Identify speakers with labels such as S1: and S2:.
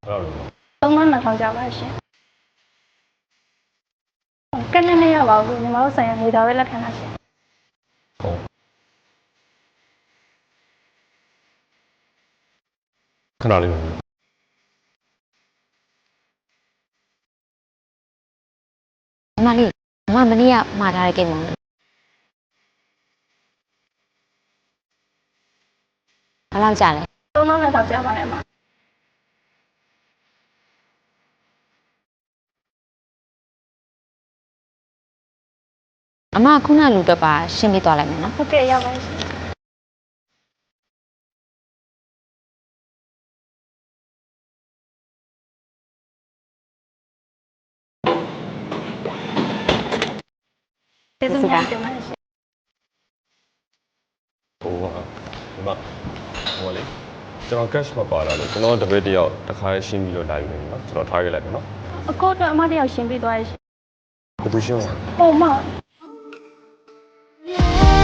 S1: 3200ကျပါရှင်ကနေ့နေ့ရပါဘူးညီမတို့ဆိုင်ရနေသားပဲလက်ခံတာရှင်
S2: ခဏလေးပါ
S3: မလေးမမနေ့ကမှာထားတဲ့ကိန်းမောင်ဘယ်လောက်ကြာလဲ
S1: 3200ကျပါတယ်မှာ
S3: အမခုနလူတော့ပါရှင်းပြသွားလိုက်မယ်နော်
S1: ဟုတ်ကဲ့ရောက်ပါရှင်ကျေးဇူးများတင်ပါတယ်ရှင်
S2: ဟိုလေကျွန်တော် cash မပါလာလို့ကျွန်တော်တပည့်တယောက်တစ်ခါရှင်းပြီးတော့လာယူနေပြီနော်ကျွန်တော်ထားခဲ့လိုက်မယ်နော်
S1: အကိုတော့အမတယောက်ရှင်းပေးသွားရရှင်
S2: ဘယ်သူရှင်းလဲ
S1: ဟိုမ